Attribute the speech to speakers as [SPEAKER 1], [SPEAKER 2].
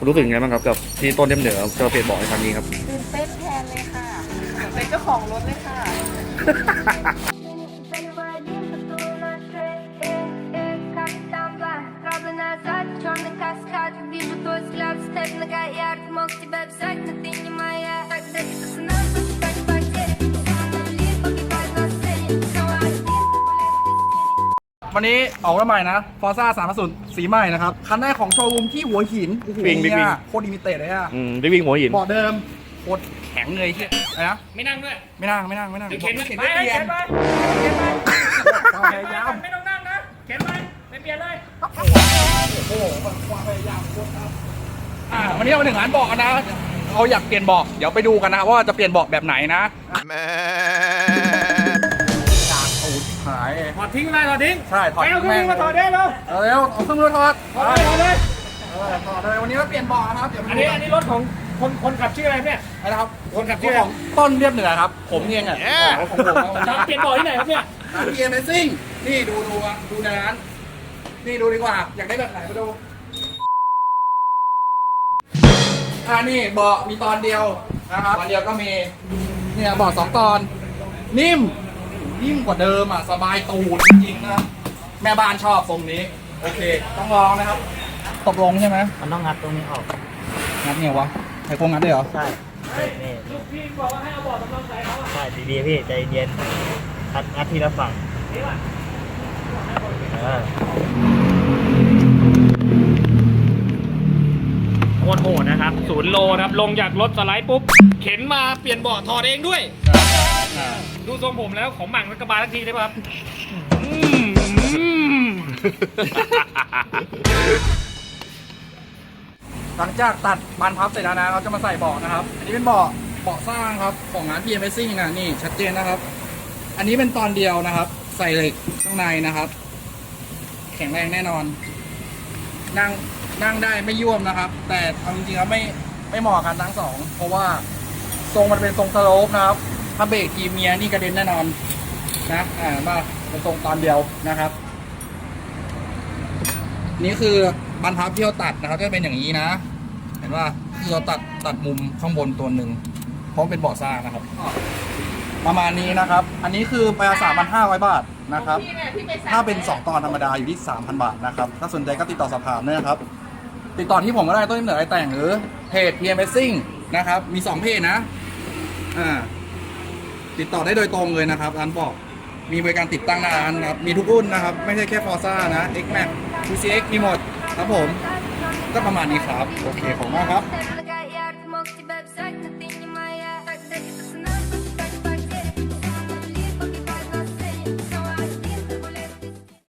[SPEAKER 1] รู้สึกยังไงบ้างครับกับที่ต้นเดียมเหนือจะเปลี่ยนเบาะในครั้งนี้ครับ
[SPEAKER 2] ตื่นเต้นแทนเลยค่ะเป็นเจ้าของรถเลยค่ะ
[SPEAKER 3] Черный каскад, вижу твой взгляд, степ нога ярд. Мог тебя взять, но ты не моя. Когда ты цена, пускай потери. Сомнали, погибать на сцене. Снова один, гулять.
[SPEAKER 4] วันนี้ออกรถใหม่นะ Forza 350 สีใหม่นะครับ คันแรกของโชว์รูมที่หัวหินโอ้โห
[SPEAKER 1] วิ่ง
[SPEAKER 4] เนี่ยโคตรลิมิเต็ดเลยอะ
[SPEAKER 1] ได้วิ่งหัวหิน
[SPEAKER 4] เบาะเดิมโคตรแข็งเลยเชี่ยอะไรนะ
[SPEAKER 5] ไม่นั่งด้วย
[SPEAKER 4] ไม่นั่ง
[SPEAKER 5] เข็น
[SPEAKER 4] เข็น
[SPEAKER 5] ไป
[SPEAKER 4] ไม่เปลี่ยน
[SPEAKER 5] เข็นไป
[SPEAKER 4] ความพยายาม
[SPEAKER 5] ไม่ต้องนั่งนะเข็นไปไม่เปลี่ยนเลย
[SPEAKER 4] โอ้โหความพยายามโคตรครับวันนี้เรามาถึงร้านเบาะกันนะเราอยากเปลี่ยนเบาะเดี๋ยวไปดูกันนะว่าจะเปลี่ยนเบาะแบบไหนนะจางตูดหาย
[SPEAKER 5] ถอดทิ้งเลยถอดทิ้ง
[SPEAKER 4] ใช่ถอด
[SPEAKER 5] ไปเอาเครื่องมือมาถอดได้แล้ว
[SPEAKER 4] เร็วเอาเครื่องมือถอด
[SPEAKER 5] ถอดเลยถอดเลย
[SPEAKER 4] ถอดเลยวันนี้เราเปลี่ยนเบาะนะครับเดี๋ยว
[SPEAKER 5] อันนี้รถของคนขับชื่ออะไรเนี่ย
[SPEAKER 4] นะครับ
[SPEAKER 5] คนขับชื่ออะไร
[SPEAKER 4] ของต้นเรียบเหนือครับผมเองอ่ะของผม
[SPEAKER 5] เปลี่ยนบ่อที่ไหนครับเนี่ย
[SPEAKER 4] ร้าน Amazing นี่ดูในร้านนี่ดูดีกว่าอยากได้แบบไหนมาดูนี่เบาะมีตอนเดียวนะครับตอนเดียวก็มีเนี่ยเบาะ2 ตอนนิ่มกว่าเดิมอ่ะสบายตูดจริงๆนะครับแม่บ้านชอบทรงนี้โอเคต้องลองนะครับตกลงใช่ไหม
[SPEAKER 6] มันต้องงัดตรงนี้ออก
[SPEAKER 4] งัดเนี่ยวะไอ้พวกงัดได้เหรอ
[SPEAKER 6] ใช่นี่
[SPEAKER 5] ลูกพี่บอกว่าให้เอาบ่อสำรองใส่เขาอะ
[SPEAKER 6] ใช่ดีๆพี่ใจเย็นงัดทีละฝั่ง
[SPEAKER 5] โคตรโหดนะครับ0 โลนะครับลงจากรถสไลด์ปุ๊บเข็นมาเปลี่ยนเบาะถอดเองด้วยดูทรงผมแล้วของหมั่งรถกระบะทักทีได้ป่ะครับ
[SPEAKER 4] หลังจากตัดบานพับเสร็จแล้วนะเราจะมาใส่เบาะนะครับอันนี้เป็นเบาะสร้างครับของร้าน PM Racing นะนี่ชัดเจนนะครับ อันนี้เป็นตอนเดียวนะครับ ใส่เหล็กข้างในนะครับ แข็งแรงแน่นอน นั่งได้ไม่ย่วมนะครับ แต่เอาจริงๆแล้วไม่เหมาะกันทั้งสองเพราะว่าทรงมันเป็นทรงสโลปนะครับ ถ้าเบรกกีเมียนี่กระเด็นแน่นอนนะมาเป็นทรงตอนเดียวนะครับ นี่คือบรรพับที่เราตัดนะครับก็เป็นอย่างนี้นะ เห็นว่าคือเราตัดมุมข้างบนตัวหนึ่งเพราะเป็นเบาะสร้างนะครับ ประมาณนี้นะครับ อันนี้คือไป3,500 บาทนะครับ ถ้าเป็น2 ตอนธรรมดาอยู่ที่ 3,000 บาทนะครับถ้าสนใจก็ติดต่อสอบถามด้วยนะครับ ติดต่อที่ผมก็ได้ต้นเหนือไอแต่งหรือเพจ PM Racing นะครับมี2เพจนะติดต่อได้โดยตรงเลยนะครับร้านบอกมีบริการติดตั้งหน้าร้านนะครับมีทุกรุ่นนะครับไม่ใช่แค่ Forza นะ X Max QCX มีหมดครับผมก็ประมาณนี้ครับโอเคขอบคุณมากครับ
[SPEAKER 3] Степ нога